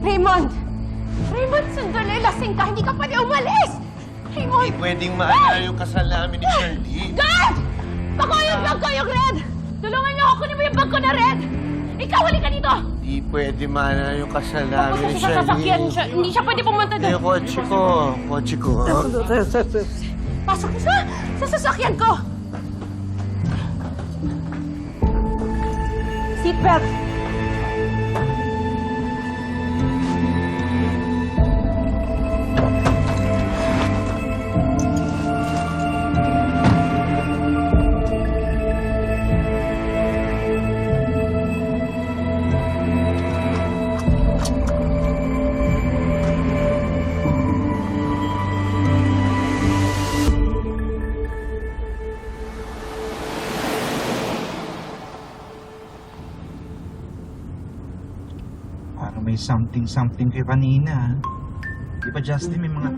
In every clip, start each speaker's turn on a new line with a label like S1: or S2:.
S1: Raymond! Raymond, sandali! Lasing ka! Hindi ka pwede umalis! Raymond!
S2: Hindi pwedeng maalala yung kasal namin ni Charlene.
S1: Guard! Bako yung bag ko, yung red! Tulungan niyo ako! Kunin mo yung bag ko na red! Ikaw, hali ka dito!
S2: Hindi pwede maalala yung kasal namin ni
S1: Kasi sa sasakyan
S2: Charlene.
S1: siya, hindi siya pwede pumunta doon.
S2: Yung kotse ko. Kotse ko.
S1: Pasok sa sasakyan ko! Seatbelt!
S3: Parang may something kayo kanina. Di ba, Justin, may mga...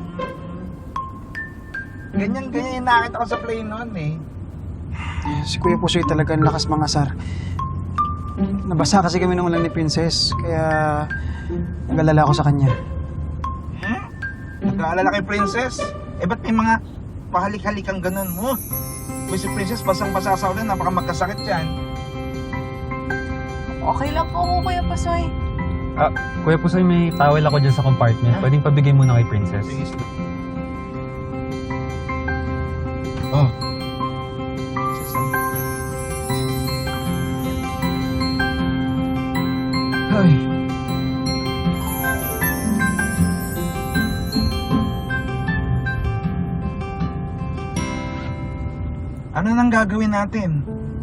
S3: Ganyan yung nakita ko sa plane noon eh.
S4: Si Kuya Pusoy talaga ang lakas mga sar. Nabasa kasi kami nung ulan ni Princess, kaya nag-alala ko sa kanya.
S3: Nag-aalala kay Princess? Eh, ba't may mga pahalik-halikang ganun mo? Kung si Princess basang-basa sa ulan, napaka magkasakit yan.
S5: Okay lang po ako, Kuya Pasoy.
S6: Kuya Pusoy, may towel ako dyan sa compartment. Pwedeng pabigay muna kay Princess.
S3: Sige. Oh.
S6: Ay.
S3: Ano nang gagawin natin?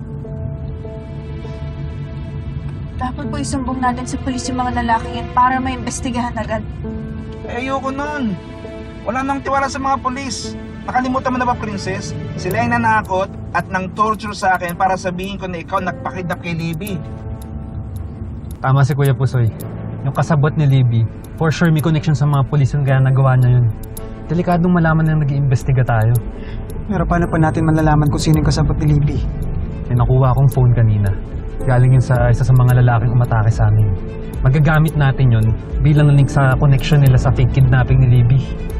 S5: Dapat po isumbong natin sa pulis yung mga lalaki yan para maimbestigahan agad.
S3: Eh, ayoko nun. Wala nang tiwala sa mga polis. Nakalimutan mo na ba, Princess? Sila ay nanakot at nang torture sa akin para sabihin ko na ikaw nagpakidnap kay Libby.
S6: Tama si Kuya Pusoy. Yung kasabot ni Libby, for sure may connection sa mga pulis yung kaya nagawa niya yun. Delikadong malaman na nag-iimbestiga tayo.
S4: Pero paano pa natin malalaman kung sino yung kasabot ni Libby?
S6: May nakuha akong phone kanina. Galing yun sa isa sa mga lalaking umatake sa amin. Magagamit natin yun bilang link sa connection nila sa fake kidnapping ni Libby.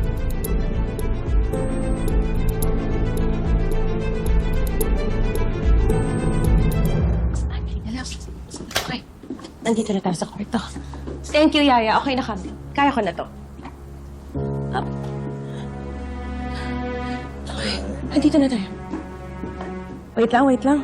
S1: Okay. Nandito na tayo sa kwarto. Thank you, Yaya. Okay na kami. Kaya ko na to. Up. Okay. Nandito na tayo. Wait lang.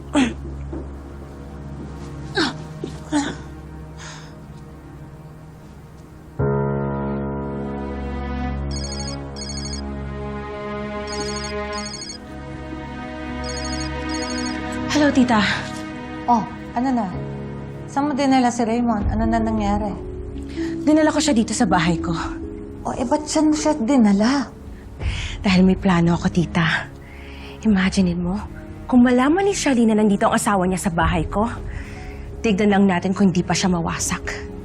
S1: Hello, tita.
S7: Oh, ano na? Saan mo dinala si Raymond? Ano na nangyari?
S1: Dinala ko siya dito sa bahay ko.
S7: Oh, ba't saan mo siya dinala?
S1: Dahil may plano ako, tita. Imaginein mo, kung malaman ni Charlene na nandito ang asawa niya sa bahay ko, tignan lang natin kung hindi pa siya mawasak.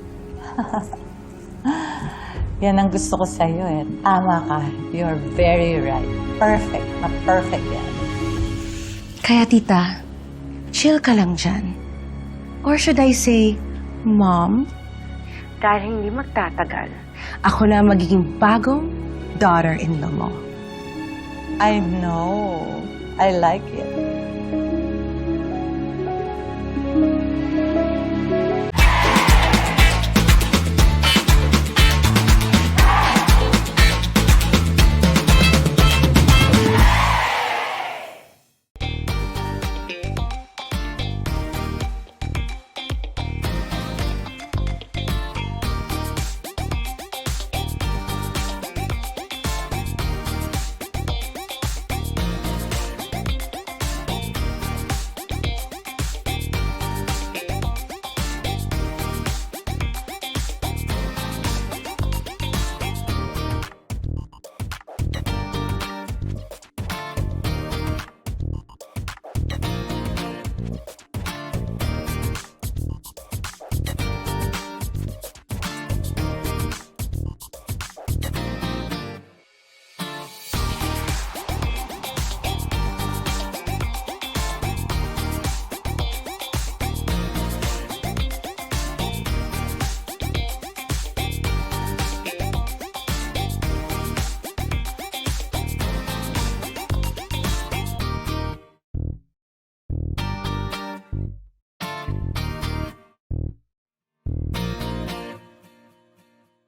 S7: Yan ang gusto ko sa'yo eh. Tama ka. You're very right. Perfect. Perfect yan.
S1: Kaya, tita, chill ka lang dyan. Or should I say, Mom? Dahil hindi magtatagal, ako na magiging bagong daughter-in-law mo.
S7: I know. I like it.